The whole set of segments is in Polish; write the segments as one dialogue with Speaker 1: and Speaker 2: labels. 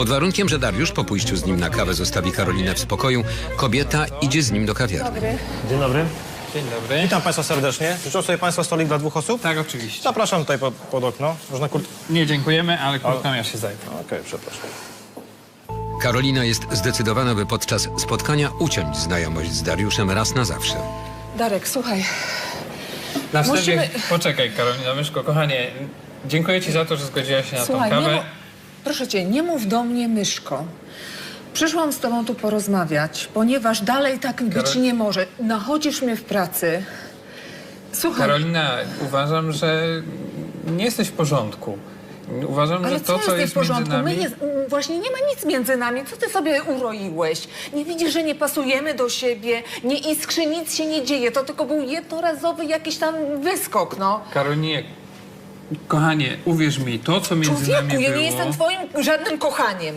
Speaker 1: Pod warunkiem, że Dariusz po pójściu z nim na kawę zostawi Karolinę w spokoju, kobieta idzie z nim do kawiarni.
Speaker 2: Dzień dobry.
Speaker 3: Dzień dobry.
Speaker 2: Witam Państwa serdecznie. Życzą sobie Państwo stolik dla 2 osób?
Speaker 3: Tak, oczywiście.
Speaker 2: Zapraszam tutaj pod okno. Można
Speaker 3: Nie dziękujemy, ale kurtkami ja się zajmę.
Speaker 2: Okej, przepraszam.
Speaker 1: Karolina jest zdecydowana, by podczas spotkania uciąć znajomość z Dariuszem raz na zawsze.
Speaker 4: Darek, słuchaj.
Speaker 3: Na wstępie,
Speaker 4: Musimy-
Speaker 3: poczekaj Karolina Myszko, kochanie, dziękuję Ci za to, że zgodziłaś się na
Speaker 4: Słuchaj,
Speaker 3: tą kawę.
Speaker 4: proszę cię, nie mów do mnie myszko. Przyszłam z tobą tu porozmawiać, ponieważ dalej tak być nie może. Nachodzisz mnie w pracy. Słuchaj,
Speaker 3: Karolina, uważam, że nie jesteś w porządku. Uważam,
Speaker 4: ale
Speaker 3: że to, co
Speaker 4: jest
Speaker 3: jest
Speaker 4: w porządku?
Speaker 3: między nami...
Speaker 4: Właśnie nie ma nic między nami. Co ty sobie uroiłeś? Nie widzisz, że nie pasujemy do siebie? Nie iskrzy, nic się nie dzieje. To tylko był jednorazowy jakiś tam wyskok, no.
Speaker 3: Karolinie, kochanie, uwierz mi, to, co między nami
Speaker 4: Człowieku, ja
Speaker 3: było...
Speaker 4: nie jestem twoim żadnym kochaniem.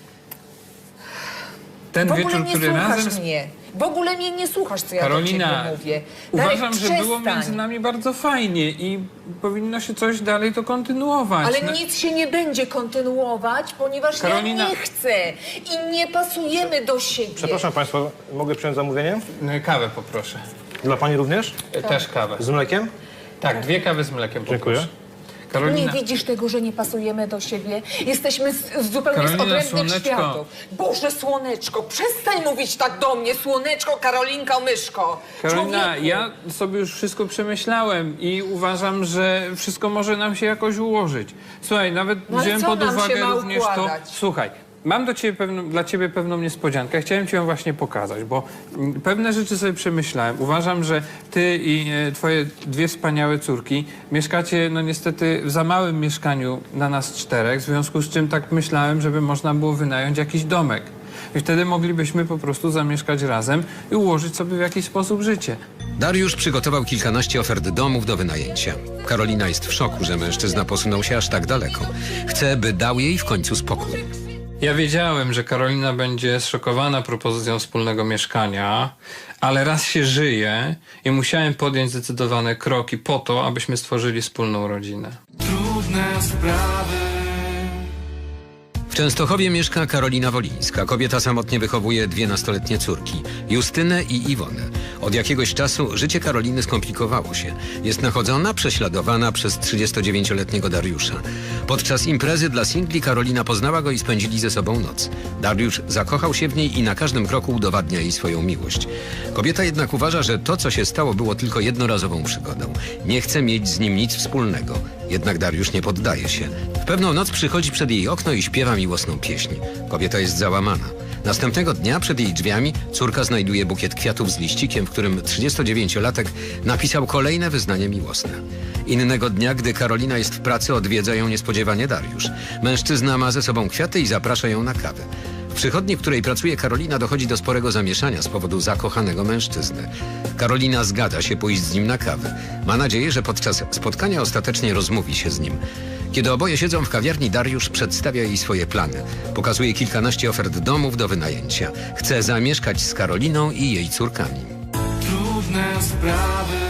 Speaker 3: Ten
Speaker 4: W ogóle
Speaker 3: wieczór,
Speaker 4: nie
Speaker 3: który
Speaker 4: słuchasz
Speaker 3: razem...
Speaker 4: mnie. W ogóle mnie nie słuchasz, co ja
Speaker 3: Karolina,
Speaker 4: do ciebie mówię. Darek,
Speaker 3: uważam, że było
Speaker 4: przestań.
Speaker 3: między nami bardzo fajnie i powinno się coś dalej to kontynuować.
Speaker 4: Ale
Speaker 3: No-
Speaker 4: nic się nie będzie kontynuować, ponieważ
Speaker 3: Karolina-
Speaker 4: ja nie chcę i nie pasujemy do siebie.
Speaker 2: Przepraszam Państwa, mogę przyjąć zamówienie?
Speaker 3: Kawę poproszę.
Speaker 2: Dla Pani również?
Speaker 3: Też kawę.
Speaker 2: Z mlekiem?
Speaker 3: Tak, 2 kawy z mlekiem poproszę.
Speaker 2: Dziękuję.
Speaker 3: Karolina,
Speaker 4: Nie widzisz tego, że nie pasujemy do siebie? Jesteśmy zupełnie z
Speaker 3: Karolina,
Speaker 4: odrębnych
Speaker 3: słoneczko.
Speaker 4: światów. Boże, słoneczko, przestań mówić tak do mnie, słoneczko, Karolinka, myszko.
Speaker 3: Karolina,
Speaker 4: Człowieku.
Speaker 3: ja sobie już wszystko przemyślałem i uważam, że wszystko może nam się jakoś ułożyć. Słuchaj, nawet
Speaker 4: No ale
Speaker 3: wziąłem
Speaker 4: co
Speaker 3: pod
Speaker 4: nam się
Speaker 3: uwagę
Speaker 4: ma
Speaker 3: również to...
Speaker 4: układać?
Speaker 3: Słuchaj, mam dla ciebie pewną niespodziankę. Chciałem ci ją właśnie pokazać, bo pewne rzeczy sobie przemyślałem. Uważam, że ty i twoje 2 wspaniałe córki mieszkacie, no niestety, w za małym mieszkaniu na nas 4, w związku z czym tak myślałem, żeby można było wynająć jakiś domek. I wtedy moglibyśmy po prostu zamieszkać razem i ułożyć sobie w jakiś sposób życie.
Speaker 1: Dariusz przygotował kilkanaście ofert domów do wynajęcia. Karolina jest w szoku, że mężczyzna posunął się aż tak daleko. Chce, by dał jej w końcu spokój.
Speaker 3: Ja wiedziałem, że Karolina będzie zszokowana propozycją wspólnego mieszkania, ale raz się żyje i musiałem podjąć zdecydowane kroki po to, abyśmy stworzyli wspólną rodzinę.
Speaker 5: Trudne sprawy.
Speaker 1: W Częstochowie mieszka Karolina Wolińska. Kobieta samotnie wychowuje 2 nastoletnie córki, Justynę i Iwonę. Od jakiegoś czasu życie Karoliny skomplikowało się. Jest nachodzona, prześladowana przez 39-letniego Dariusza. Podczas imprezy dla singli Karolina poznała go i spędzili ze sobą noc. Dariusz zakochał się w niej i na każdym kroku udowadnia jej swoją miłość. Kobieta jednak uważa, że to, co się stało, było tylko jednorazową przygodą. Nie chce mieć z nim nic wspólnego. Jednak Dariusz nie poddaje się. W pewną noc przychodzi przed jej okno i śpiewa miłosną pieśń. Kobieta jest załamana. Następnego dnia przed jej drzwiami córka znajduje bukiet kwiatów z liścikiem, w którym 39-latek napisał kolejne wyznanie miłosne. Innego dnia, gdy Karolina jest w pracy, odwiedza ją niespodziewanie Dariusz. Mężczyzna ma ze sobą kwiaty i zaprasza ją na kawę. W przychodni, w której pracuje Karolina, dochodzi do sporego zamieszania z powodu zakochanego mężczyzny. Karolina zgadza się pójść z nim na kawę. Ma nadzieję, że podczas spotkania ostatecznie rozmówi się z nim. Kiedy oboje siedzą w kawiarni, Dariusz przedstawia jej swoje plany. Pokazuje kilkanaście ofert domów do wynajęcia. Chce zamieszkać z Karoliną i jej córkami.
Speaker 5: Trudne sprawy.